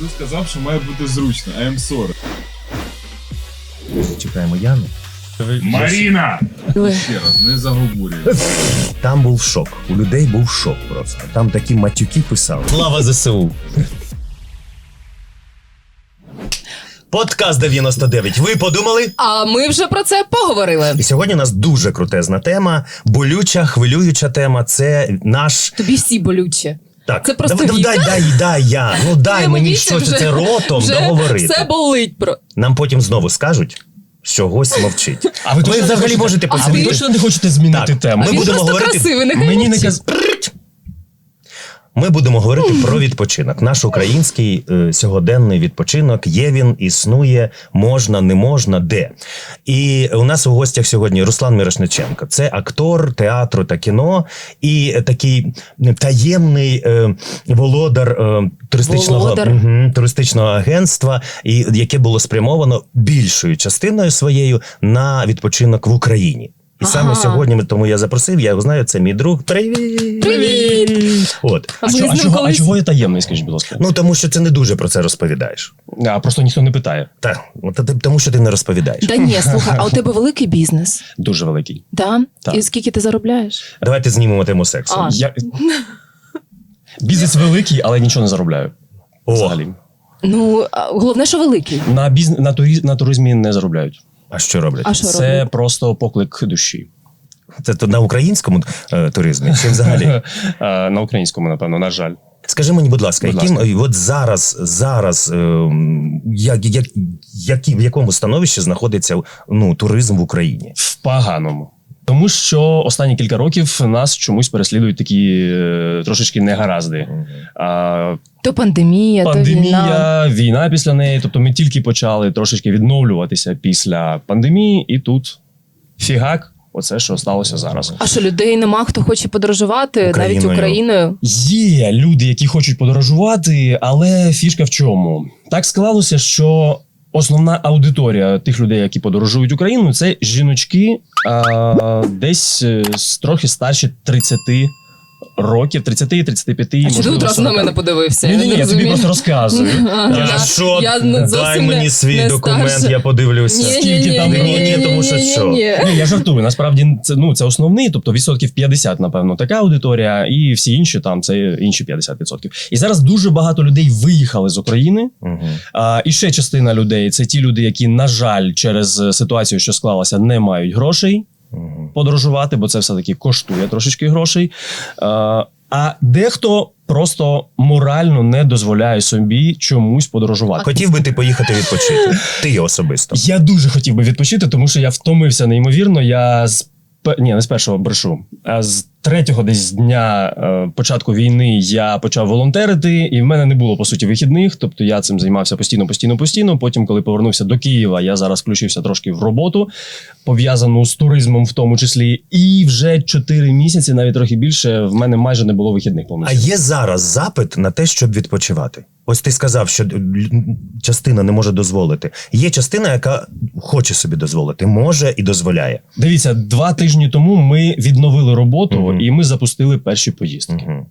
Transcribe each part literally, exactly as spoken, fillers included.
Ти сказав, що має бути зручно. I am sorry. Чекаємо Яну. Маріна! Ще раз, не заговорюй. Там був шок. У людей був шок просто. Там такі матюки писали. Слава ЗСУ! Подкаст дев'яносто дев'ять. Ви подумали? А ми вже про це поговорили. І сьогодні у нас дуже крутезна тема, болюча, хвилююча тема. Це наш... Тобі всі болючі. Так, це просто дай, дай, дай, дай я. Ну дай мені щось це ротом вже договорити. Все болить. Про... Нам потім знову скажуть, що гость мовчить. А ви, ви взагалі хочете... можете а посидіти. ви точно не хочете змінити так, тему? А ми він будемо просто говорити... красивий, нехай Мені не каз... Ми будемо говорити про відпочинок. Наш український е, сьогоденний відпочинок. Є він, існує, можна, не можна, де. І у нас у гостях сьогодні Руслан Мірошниченко. Це актор театру та кіно і такий таємний е, володар е, туристичного, володар. Угу, туристичного агентства, і, яке було спрямовано більшою частиною своєю на відпочинок в Україні. І саме ага. сьогодні, тому я запросив, я його знаю, це мій друг. Привіт! Привіт! От. А, що, а, чого, колись... а чого я таємний, скажіть, будь ласка? Ну, тому що ти не дуже про це розповідаєш. А, просто ніхто не питає. Так, тому що ти не розповідаєш. Та ні, слухай, а у тебе великий бізнес? Дуже великий. Да? Так. І скільки ти заробляєш? Давайте знімемо тему сексу. А. Я... Бізнес великий, але нічого не заробляю. О. Взагалі. Ну, головне, що великий. На, біз... на, турі... на туризмі не заробляють. А що роблять? А що Це роблять? просто поклик душі. Це то на українському е, туризмі чи взагалі? А, на українському, напевно, на жаль. Скажи мені, будь ласка, Будь яким ласка. от зараз, зараз е, як, як, які, в якому становищі знаходиться ну, туризм в Україні? В поганому. Тому що останні кілька років нас чомусь переслідують такі е, трошечки негаразди. А, То пандемія, пандемія, то війна. війна після неї. Тобто ми тільки почали трошечки відновлюватися після пандемії, і тут фігак, оце, що сталося зараз. А що, людей нема, хто хоче подорожувати Україною. навіть Україною? Є люди, які хочуть подорожувати, але фішка в чому? Так склалося, що основна аудиторія тих людей, які подорожують Україну, це жіночки а, десь з трохи старші тридцяти років, тридцять-тридцять п'ять. А що ти одразу на мене подивився? Ні, ні, ні, я тобі розумію. просто розказую. Я, Я- що? я зовсім Дай не- мені свій не документ, старша. я подивлюся. Скільки там Ні, ні, тому що що? Ні, я жартую. Насправді це, ну, це основний, тобто відсотків п'ятдесят, напевно, така аудиторія, і всі інші там це інші п'ятдесят відсотків. І зараз дуже багато людей виїхали з України. Угу. А, і ще частина людей це ті люди, які, на жаль, через ситуацію, що склалася, не мають грошей Угу. подорожувати, бо це все-таки коштує трошечки грошей. А, а дехто просто морально не дозволяє собі чомусь подорожувати. Хотів би ти поїхати відпочити? Ти особисто. Я дуже хотів би відпочити, тому що я втомився неймовірно. Я з пе- ні, не з першого брешу, а з третього десь дня е, початку війни я почав волонтерити, і в мене не було по суті вихідних. Тобто я цим займався постійно, постійно, постійно. Потім, коли повернувся до Києва, я зараз включився трошки в роботу, пов'язану з туризмом, в тому числі. І вже чотири місяці, навіть трохи більше, в мене майже не було вихідних А повністю. є зараз запит на те, щоб відпочивати? Ось ти сказав, що частина не може дозволити. Є частина, яка хоче собі дозволити, може і дозволяє. Дивіться, два тижні тому ми відновили роботу, Мгм. і ми запустили перші поїздки. Угу.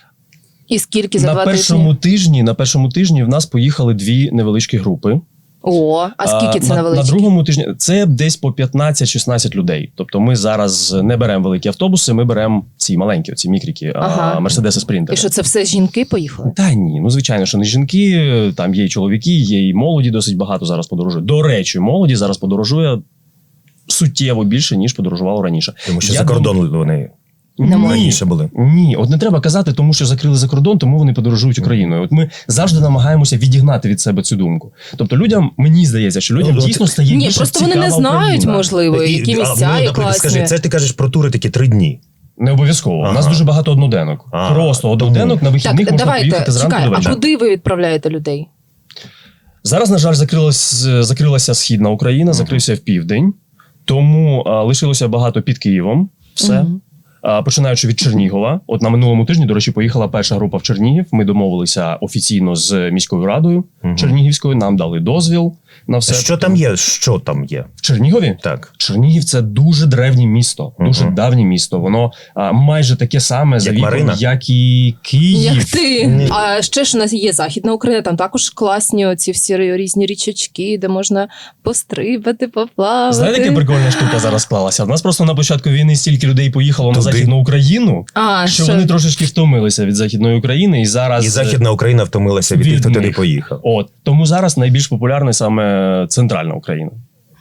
І скільки за На два першому тижні? тижні, на першому тижні в нас поїхали дві невеличкі групи. О, а скільки це на, на на величі? другому тижні це десь по п'ятнадцять-шістнадцять людей. Тобто ми зараз не беремо великі автобуси, ми беремо ці маленькі, ці мікріки, Ага. Мерседеси Спринтери. І що, це все жінки поїхали? Та ні, ну звичайно, що не жінки, там є і чоловіки, є і молоді досить багато зараз подорожує. До речі, молоді зараз подорожує суттєво більше, ніж подорожувало раніше. Тому що Я за кордон вони Немає. раніше були. Ні, от не треба казати, тому що закрили за кордон, тому вони подорожують Україною. От ми завжди намагаємося відігнати від себе цю думку. Тобто людям, мені здається, що людям Ну, дійсно от- стає Ні, більше просто вони не цікава знають, Україна. можливо, І- які а, місця ну, є наприклад, класні. скажи, це ти кажеш про тури такі три дні. Не обов'язково. Ага. У нас дуже багато одноденок. Ага. Просто одноденок на вихідних Так, можна давайте, поїхати зранку чекай, до а вечора. куди ви відправляєте людей? Зараз, на жаль, закрилась, закрилася Східна Україна, закрився в південь, тому а, лишилося багато під Києвом. Все. Мгм. А, починаючи від Чернігова. От на минулому тижні, до речі, поїхала перша група в Чернігів. Ми домовилися офіційно з міською радою. Мгм. Чернігівської, нам дали дозвіл на все. Що там є? Що там є? В Чернігові? Так. Чернігів це дуже древнє місто, дуже Мгм. давнє місто. Воно а, майже таке саме за Як віком, Марина? як і Київ. Як ти? Ні. А ще ж у нас є Західна Україна, там також класні оці всі різні річечки, де можна пострибати, поплавати. Знаєте, яка прикольна штука зараз склалася? У нас просто на початку війни стільки людей поїхало на Туди. Західну Україну, А, що що? вони трошечки втомилися від Західної України, і зараз І Західна Україна втомилася від тих, від хто туди них. поїхав. От тому зараз найбільш популярна саме центральна Україна.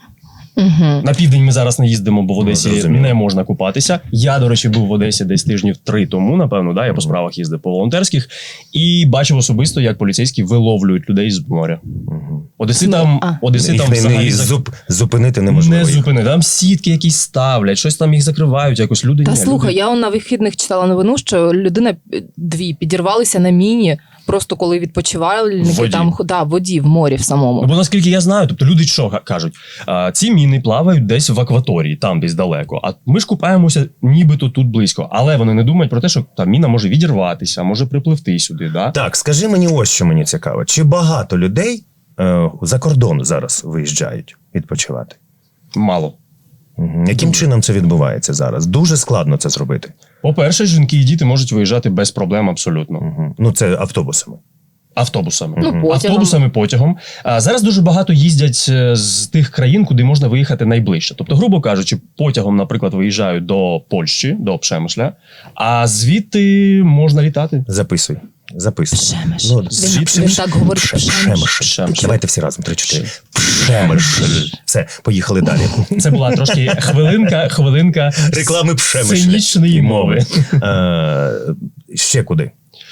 Угу. На південь ми зараз не їздимо, бо в Одесі Ну, зрозуміло. не можна купатися. Я, до речі, був в Одесі десь тижнів три тому, напевно, да, я по справах їздив по волонтерських і бачив особисто, як поліцейські виловлюють людей з моря. Мгм. Одеситам, А. одеситам Їх не, взагалі не, зак- зуп, зупинити неможливо. не їх. зупини. Там сітки якісь ставлять, щось там їх закривають, якось люди. Та ні, слухай, люди... я он на вихідних читала новину, що людина е, дві підірвалися на міні, просто коли відпочивальники В воді. там да, в воді, в морі в самому. Ну, бо наскільки я знаю, тобто люди що га- кажуть, а, ці міни плавають десь в акваторії, там десь далеко. А ми ж купаємося нібито тут близько. Але вони не думають про те, що та міна може відірватися, може припливти сюди. Да? Так, скажи мені ось що мені цікаво. Чи багато людей е, за кордон зараз виїжджають відпочивати? Мало. Мгм. Яким чином це відбувається зараз? Дуже складно це зробити. По-перше, жінки і діти можуть виїжджати без проблем абсолютно. Мгм. Ну, це автобусами. Автобусами. Ну, потягом. Автобусами, потягом. А зараз дуже багато їздять е, з тих країн, куди можна виїхати найближче. Тобто, грубо кажучи, потягом, наприклад, виїжджають до Польщі, до Пшемишля, а звідти можна літати. Записуй. Записуй. Пшемиш. Ну, Він- пш- він так говорить, пш- пшемиш. Пшемиш. Пшемиш. Давайте всі разом. Три-чотири. Пшемиш. Все, поїхали далі. Це була трошки хвилинка, хвилинка Реклами пшемиш. сценічної мови. Е, Ще куди?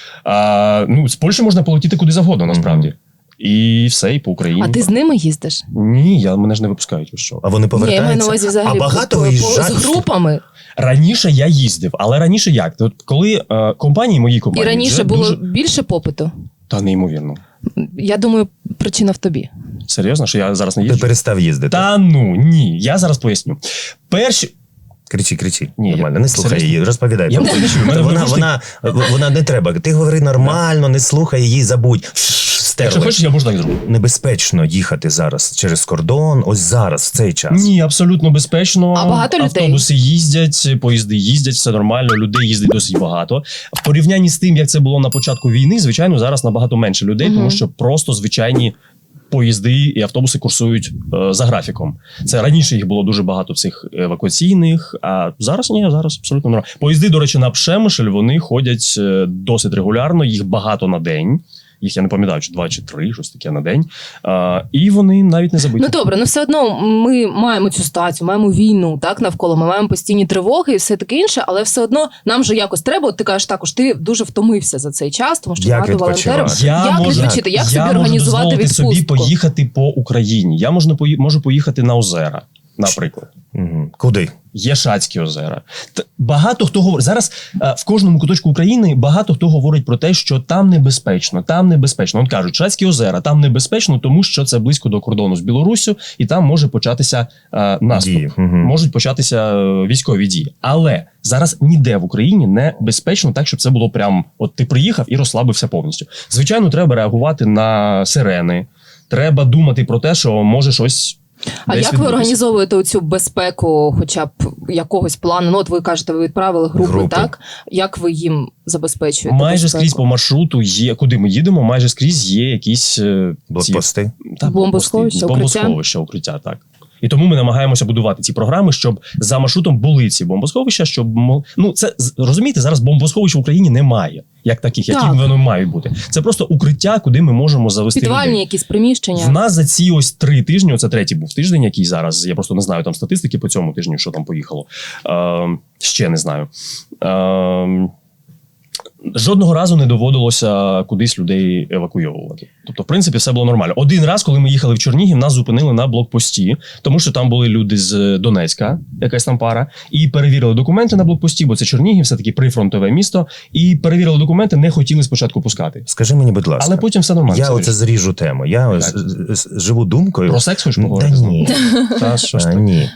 А, ну, з Польщі можна полетіти куди завгодно, насправді. І все, і по Україні. А ти з ними їздиш? Ні, я, мене ж не випускають. ви Що? А вони Ні, я маю на повертаються? увазі взагалі А багато по- по- виїжджають? з групами. Раніше я їздив, але раніше як? От коли е, компанії, мої І компанії, раніше вже було дуже... більше попиту. Та неймовірно. Я думаю, причина в тобі. Серйозно, що я зараз не Ти їжджу? перестав їздити. Та ну, ні, я зараз поясню. Перші... Кричи, кричи. Ні, Нормально, я- не слухай серйозно? її, розповідай. Я просто. просто чую, мене Вона, вона, вона, вона не треба. Ти говори нормально, не слухай її, забудь. Якщо Стерли. хочеш, я можу так зроблю. Небезпечно їхати зараз через кордон, ось зараз, в цей час. Ні, абсолютно безпечно. А багато людей? Автобуси їздять, поїзди їздять, все нормально, людей їздить досить багато. В порівнянні з тим, як це було на початку війни, звичайно, зараз набагато менше людей, Мгм. тому що просто звичайні поїзди і автобуси курсують е, за графіком. Це раніше їх було дуже багато цих евакуаційних, а зараз ні, зараз абсолютно нормально. Поїзди, до речі, на Пшемишель, вони ходять е, досить регулярно, їх багато на день. Їх я не пам'ятаю, чи два чи три, щось таке на день. А, і вони навіть не забиті. Ну добре, ну все одно ми маємо цю ситуацію, маємо війну так навколо. Ми маємо постійні тривоги і все таке інше, але все одно нам же якось треба. От ти кажеш також, ти дуже втомився за цей час, тому що Як багато відпочивати? волонтерів. Я як можу, відпочити? Як я собі можу організувати дозволити собі відпустку? поїхати по Україні. Я можу, пої- можу поїхати на озера, наприклад. Мгм. Куди? Є Шацькі озера. Т- Багато хто говорить зараз е, в кожному куточку України багато хто говорить про те, що там небезпечно, там небезпечно. От кажуть, Шацькі озера там небезпечно, тому що це близько до кордону з Білоруссю, і там може початися е, наступ. Дії. Мгм. Можуть початися е, військові дії. Але зараз ніде в Україні не безпечно так, щоб це було прям от ти приїхав і розслабився повністю. Звичайно, треба реагувати на сирени. Треба думати про те, що може щось. А десь як ви відбутися. організовуєте цю безпеку, хоча б якогось плану? Ну, от ви кажете, ви відправили групи, Групи. так? Як ви їм забезпечуєте? Майже безпеку? скрізь по маршруту є, куди ми їдемо, майже скрізь є якісь е, ці- Блокпости? та, Бомбосховища, блокпости, укриття? бомбосховища, укриття, так. І тому ми намагаємося будувати ці програми, щоб за маршрутом були ці бомбосховища, щоб мо- ну це з- розумієте, зараз бомбосховищ в Україні немає, як таких, які Так. вони мають бути. Це просто укриття, куди ми можемо завести Підвальні людей. якісь приміщення? В нас за ці ось три тижні, оце третій був тиждень, який зараз, я просто не знаю там статистики по цьому тижню, що там поїхало. Е, ще не знаю. Е, Жодного разу не доводилося кудись людей евакуйовувати. Тобто, в принципі, все було нормально. Один раз, коли ми їхали в Чернігів, нас зупинили на блокпості, тому що там були люди з Донецька, якась там пара, і перевірили документи на блокпості, бо це Чернігів, все таки прифронтове місто. І перевірили документи, не хотіли спочатку пускати. Скажи мені, будь ласка. Але потім все нормально. Я все оце вирішили. зріжу тему. Я ось, з- з- живу думкою. Про секс хочеш Та поговорити? ні. Та що ж А, ти? ні.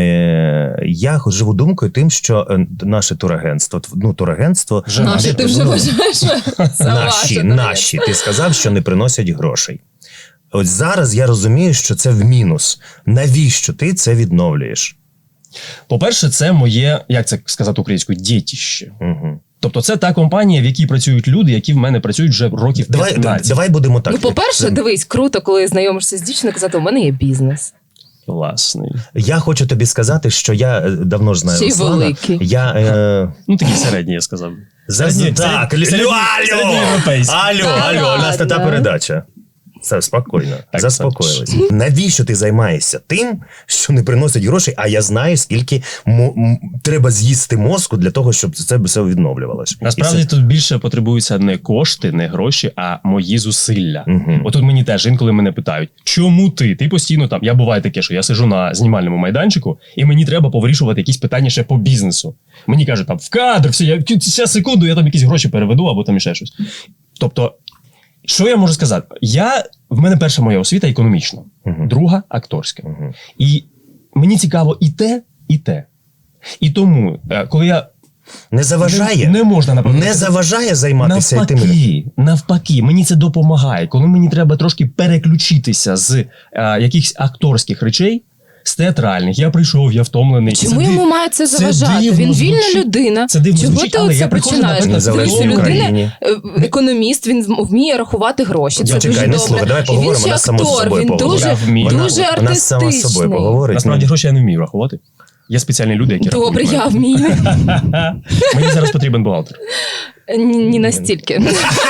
Е, я хоч живу думкою тим, що е, наше турагентство, ну, турагентство, Вже Наші, наші, ти вже ну, вважаєш? Це наші, ваше, наші, ти сказав, що не приносять грошей. Ось зараз я розумію, що це в мінус. Навіщо ти це відновлюєш? По-перше, це моє, як це сказати українською, дєтіще. Угу. Тобто це та компанія, в якій працюють люди, які в мене працюють вже років Давай, п'ятнадцять. давай будемо так. Ну, по-перше, дивись, круто, коли знайомишся з дівчиною, казати, у мене є бізнес. Власний. Я хочу тобі сказати, що я е, давно ж знаю Ще й Руслана. великий. Я, е, Ну, такий середній, я сказав. за, Середній- так, середній- алло, алло, середньоєвропейський. алло, Та алло, у нас не та ладно. передача. Все, спокійно, Так, заспокоїлись. Навіщо ти займаєшся тим, що не приносить грошей, а я знаю, скільки мо- м- треба з'їсти мозку для того, щоб це все відновлювалося. Насправді тут більше потребуються не кошти, не гроші, а мої зусилля. Мгм. Отут мені теж інколи мене питають, чому ти? Ти постійно там. Я буває таке, що я сижу на знімальному майданчику, і мені треба повирішувати якісь питання ще по бізнесу. Мені кажуть, там в кадр, все, я ще секунду, я там якісь гроші переведу або там ще щось. Тобто, що я можу сказати? Я, в мене перша моя освіта економічна, Мгм. друга акторська. Мгм. І мені цікаво і те, і те. І тому, е, коли я Не заважає, не, не можна напевно, не заважає займатися і тим. навпаки, навпаки, мені це допомагає. Коли мені треба трошки переключитися з е, якихось акторських речей, з театральних, я прийшов, я втомлений. Чому Це йому див- має це це заважати? дивно Він вільна звучить. людина. Це дивно Чого звучить, ти але оце я приходжу, починаєш? наприклад, Незалежній Дивись, людина Україні. е, економіст, він вміє рахувати гроші. Це Чекай, дуже не добре. слухай, давай І поговоримо, він ще вона сама з актор, собою він поговорить. дуже, Я вмію. дуже Вона, вона сама з собою артистичний. поговорить. Насправді гроші я не вмію рахувати. Є спеціальні люди, які Добре, рахують. я вмію. Мені зараз потрібен бухгалтер. Ні, ні настільки.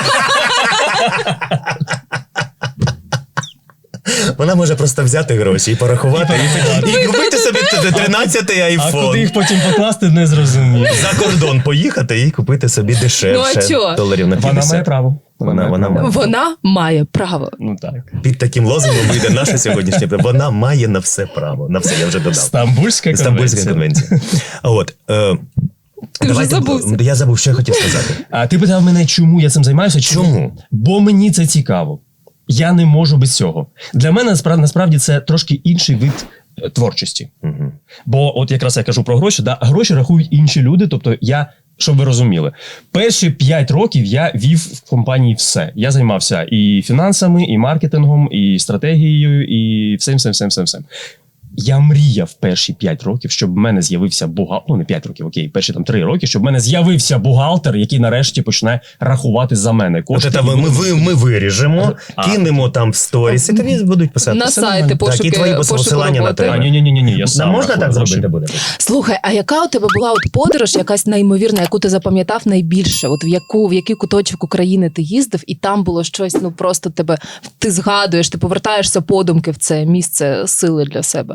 Вона може просто взяти гроші і порахувати, і, і купити собі тринадцятий А куди айфон. їх потім покласти, не зрозумів. За кордон поїхати і купити собі дешевше. Ну, а чого? Доларів на Вона п'ятдесят. має право. Вона- вона має. Вона має право. Ну так. Під таким лозунгом вийде наша сьогоднішня. Вона має на все право. На все, я вже додав. Стамбульська Стамбульська конвенція. конвенція. От, е, Ти вже давайте- забувся. Я забув, що я хотів сказати. А ти питав мене, чому я цим займаюся? Чому? Бо мені це цікаво. Я не можу без цього. Для мене насправді, насправді це трошки інший вид е, творчості. Мгм. Бо от якраз я кажу про гроші, да, гроші рахують інші люди. Тобто я, щоб ви розуміли, перші п'ять років я вів в компанії все. Я займався і фінансами, і маркетингом, і стратегією, і всім, всім, всім, всім, всім. Я мріяв перші п'ять років, щоб в мене з'явився бухгалтер, ну не п'ять років, окей, перші там три роки, щоб в мене з'явився бухгалтер, який нарешті почне рахувати за мене От кошти. це і ми, ми, буде- ви- ми виріжемо, А. кинемо там в сторіс, і тобі будуть писати. На Все сайти нормально. пошуки- Так, і твої пошуку посилання на роботи. тебе. А, ні, ні, ні, ні, я сам можна рахую так гроші. зробити буде? Слухай, а яка у тебе була от подорож, якась неймовірна, яку ти запам'ятав найбільше? От в яку в який куточок України ти їздив, і там було щось, ну просто тебе ти згадуєш, ти повертаєшся подумки в це місце сили для себе.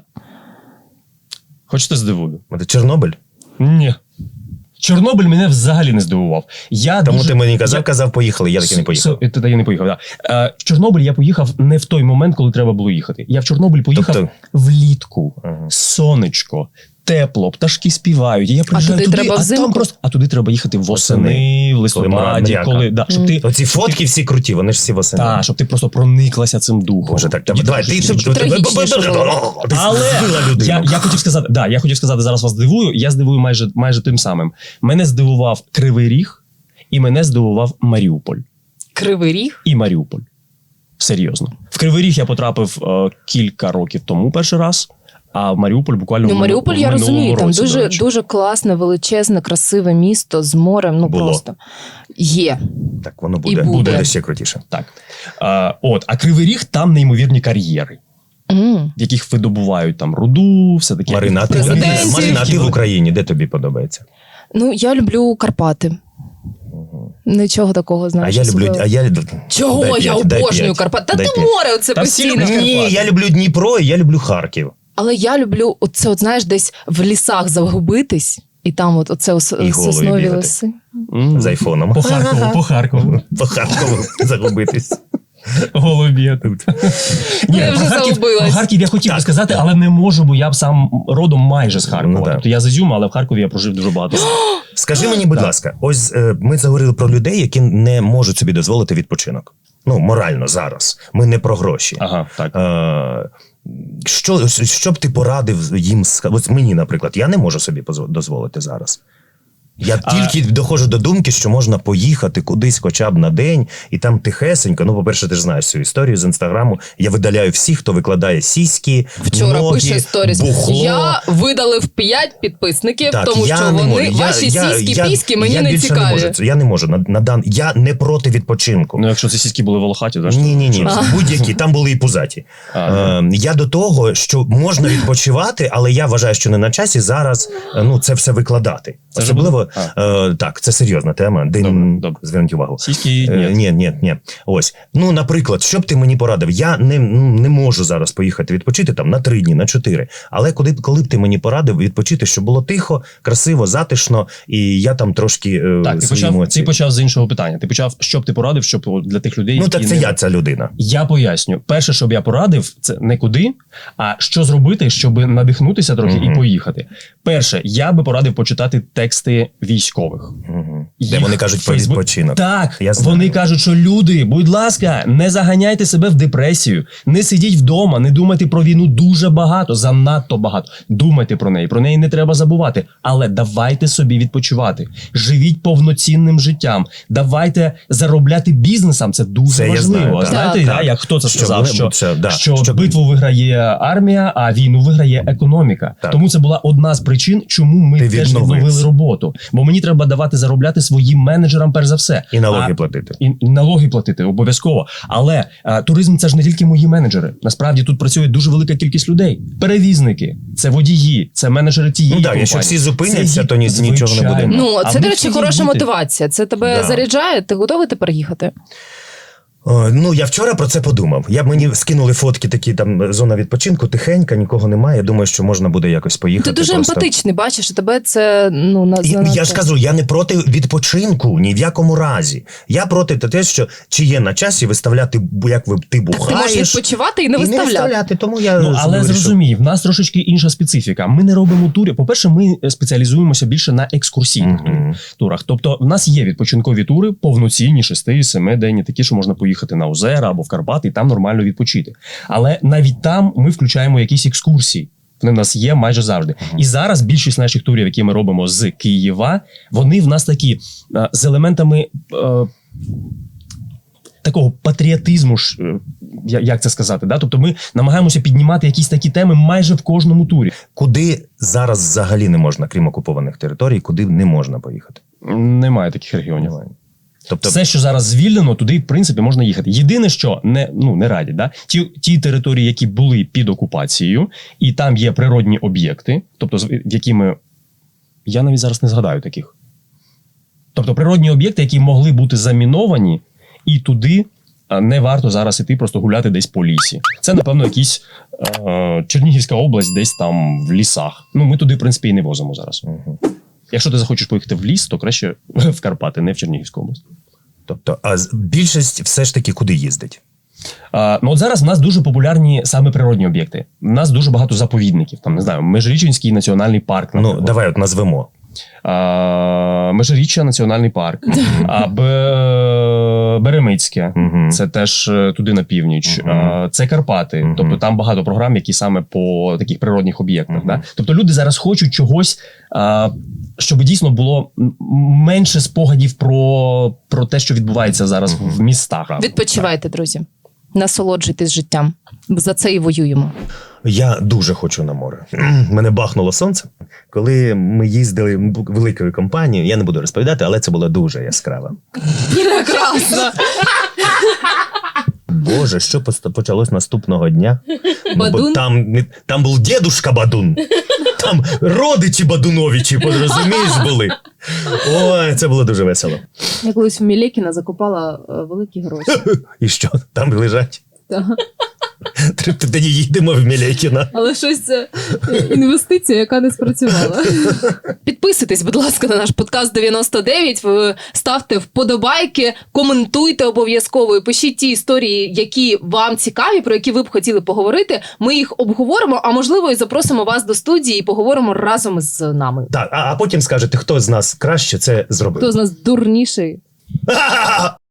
Хочете здивую? От Чорнобиль? Ні. Чорнобиль мене взагалі не здивував. Я Тому дуже... ти мені казав, я- казав, поїхали, я таки не поїхав. С- Тоді я не поїхав, да. Е, В Чорнобиль я поїхав не в той момент, коли треба було їхати. Я в Чорнобиль поїхав Тобто- влітку. Ага. Сонечко, тепло, пташки співають. І я приїжджаю туди туди, треба а взимку? там просто... А туди треба їхати восени, Восени. в листопаді, мряка. коли... Да, щоб ти... Оці фотки всі круті, вони ж всі восени. Та, щоб ти просто прониклася цим духом. Боже, так, Тоді давай, дуже ти, смішно. ти, ти, Трагічніше було. ти Але збила я, людину. я хотів сказати, да, я хотів сказати, зараз вас здивую. Я здивую майже, майже тим самим. Мене здивував Кривий Ріг, і мене здивував Маріуполь. Кривий Ріг. І Маріуполь. Серйозно. В Кривий Ріг я потрапив е, кілька років тому перший раз, а в Маріуполь буквально Ну, в Маріуполь, мину- я в минулому розумію, там році, до дуже, речі. дуже класне, величезне, красиве місто з морем. Ну Було. просто є. Так, воно І буде. буде. Буде ще крутіше. Так. Е, от, а Кривий Ріг там неймовірні кар'єри, М. в яких видобувають там руду, все таке. Марина, а ти, Президентів. Марина, а ти в Україні, де тобі подобається? Ну, я люблю Карпати. Нічого такого, А знаєш. я люблю. особливого. А я... Чого? Дай я п'ять, дай обожнюю п'ять, Карпати. Та дай ти п'ять. море оце Та всі постійно. люблять Ні, Карпати. я люблю Дніпро і я люблю Харків. Але я люблю оце, от знаєш, десь в лісах загубитись, і там от оце ос- І голою соснові бігати. ліси. М. З айфоном. По Харкову, по Харкову. По Харкову загубитись. Голубі тут. Ні, Я вже про Харків, загубилась. про Харків я хотів би Так. сказати, але не можу, бо я б сам родом майже з Харкова. Ну, так. Тобто я з Ізюма, але в Харкові я прожив дуже багато. Скажи мені, будь Так. ласка, ось е, ми заговорили про людей, які не можуть собі дозволити відпочинок. Ну, морально зараз. Ми не про гроші. Ага, так. Е, що, що б ти порадив їм? ска- Ось мені, наприклад, я не можу собі позво- дозволити зараз. Я А- тільки доходжу до думки, що можна поїхати кудись хоча б на день, і там тихесенько. Ну, по-перше, ти ж знаєш цю історію з інстаграму. Я видаляю всіх, хто викладає сіськи, Вчора ноги, пише сторіс. бухло. Я видалив п'ять підписників, Так, тому я що не вони можу. Я- ваші я- сіські, я- піськи мені я не більше цікаві. Не можу. Я не можу. На, на дан... Я не проти відпочинку. Ну, якщо ці сіськи були волохаті, то ж Ні, ні, ні, А. будь-які, там були і пузаті. А, Е, я до того, що можна відпочивати, але я вважаю, що не на часі зараз е, ну, це все викладати. Це вже Особливо, було? е, так, це серйозна тема, де Добре, м, добре. зверніть увагу. Сіськи Е, ні. Ні, ні, ні. Ось. Ну, наприклад, що б ти мені порадив? Я не, ну, не можу зараз поїхати відпочити там на три дні, на чотири. Але коли, б- коли б ти мені порадив відпочити, щоб було тихо, красиво, затишно, і я там трошки е, Так, ти свої почав, емоції. ти почав з іншого питання. Ти почав, що б ти порадив, щоб для тих людей. Ну, які так це не- я ця людина. Я поясню. Перше, що б я порадив, це не куди, а що зробити, щоб надихнутися трохи Мгм. і поїхати. Перше, я би порадив почитати тексти військових. Угу. Де Їх вони кажуть про Фейсбук- відпочинок. Так, Я знаю. вони кажуть, що люди, будь ласка, не заганяйте себе в депресію, не сидіть вдома, не думайте про війну дуже багато, занадто багато. Думайте про неї, про неї не треба забувати. Але давайте собі відпочивати. Живіть повноцінним життям. Давайте заробляти бізнесом. Це дуже Це я важливо. знаю, так. Знаєте, Так, да, так. як хто це Що сказав, вони- що, це, да, що, що- битву виграє армія, а війну виграє економіка. Так. Тому це була одна з причин, чому ми Ти теж відновився. відновили роботу. Бо мені треба давати заробляти своїм менеджерам перш за все. І налоги А- платити. і, і налоги платити обов'язково. Але а, туризм це ж не тільки мої менеджери. Насправді тут працює дуже велика кількість людей. Перевізники, це водії, це менеджери тієї Ну так, компанії. якщо всі зупиняться, Це ї- то ні- нічого не буде. звичайно. Ну, А це, в до них речі, сидіть хороша бути. мотивація. Це тебе Да. заряджає. Ти готовий тепер їхати? О, ну, я вчора про це подумав. Я мені скинули фотки, такі там зона відпочинку, тихенька, нікого немає. Я думаю, що можна буде якось поїхати. Ти дуже просто. емпатичний, бачиш, і тебе це ну на І, занадто. я ж кажу, я не проти відпочинку ні в якому разі. Я проти те, що чи є на часі виставляти, бу- як ви ти Так ти бухаєш. можеш відпочивати і не і не виставляти. виставляти, тому я Ну, але вирішив. зрозумій, в нас трошечки інша специфіка. Ми не робимо турів. По-перше, ми спеціалізуємося більше на екскурсійних Мгм. турах. Тобто, в нас є відпочинкові тури, повноцінні, шести, семи денні, такі, що можна поїхати на озера або в Карпати і там нормально відпочити. Але навіть там ми включаємо якісь екскурсії. Вони в нас є майже завжди. І зараз більшість наших турів, які ми робимо з Києва, вони в нас такі е, з елементами. Е, Такого патріотизму, ж, е, я- як це сказати, да? Тобто ми намагаємося піднімати якісь такі теми майже в кожному турі. Куди зараз взагалі не можна, крім окупованих територій, куди не можна поїхати? Немає таких регіонів. Немає. Тобто, Все, що зараз звільнено, туди, в принципі, можна їхати. Єдине, що не, ну, не радять, да? ті, ті території, які були під окупацією, і там є природні об'єкти, тобто, з- в які ми. Я навіть зараз не згадаю таких. Тобто, природні об'єкти, які могли бути заміновані, і туди а, не варто зараз іти просто гуляти десь по лісі. Це, напевно, якісь е, Чернігівська область, десь там в лісах. Ну, ми туди, в принципі, і не возимо зараз. Мгм. Якщо ти захочеш поїхати в ліс, то краще в Карпати, не в Чернігівську область. тобто, а з- більшість все ж таки куди їздить? А, ну от зараз в нас дуже популярні саме природні об'єкти. У нас дуже багато заповідників. Там не знаю, Межирічинський національний парк. Ну, наприклад. давай от назвемо. А, Межиріччя національний парк. А, Б- Беремицьке. Мгм. Це теж е, туди на північ. Мгм. А, Це Карпати. Мгм. Тобто там багато програм, які саме по таких природних об'єктах. Мгм. Да? Тобто люди зараз хочуть чогось, а, щоб дійсно було м- менше спогадів про, про те, що відбувається зараз в містах. Відпочивайте, друзі. Насолоджуйтесь життям. За це і воюємо. Я дуже хочу на море. Мене бахнуло сонце, коли ми їздили великою компанією. Я не буду розповідати, але це було дуже яскраво. Прекрасно. Боже, що пост- почалось наступного дня? Ну, бо Бадун? там, не- там був дедушка Бадун. Там родичі Бадуновичі, розумієш, були. Ой, це було дуже весело. Я колись в Мілєкіна закопала е, великі гроші. І що? Там лежать? Так. Треба тоді їдемо в Мілякіна. Але щось це інвестиція, яка не спрацювала. Підписуйтесь, будь ласка, на наш подкаст дев'яносто дев'ять. Ви ставте вподобайки, коментуйте обов'язково і пишіть ті історії, які вам цікаві, про які ви б хотіли поговорити. Ми їх обговоримо, а можливо, і запросимо вас до студії і поговоримо разом з нами. Так, а, а потім скажете, хто з нас краще це зробив. Хто з нас дурніший?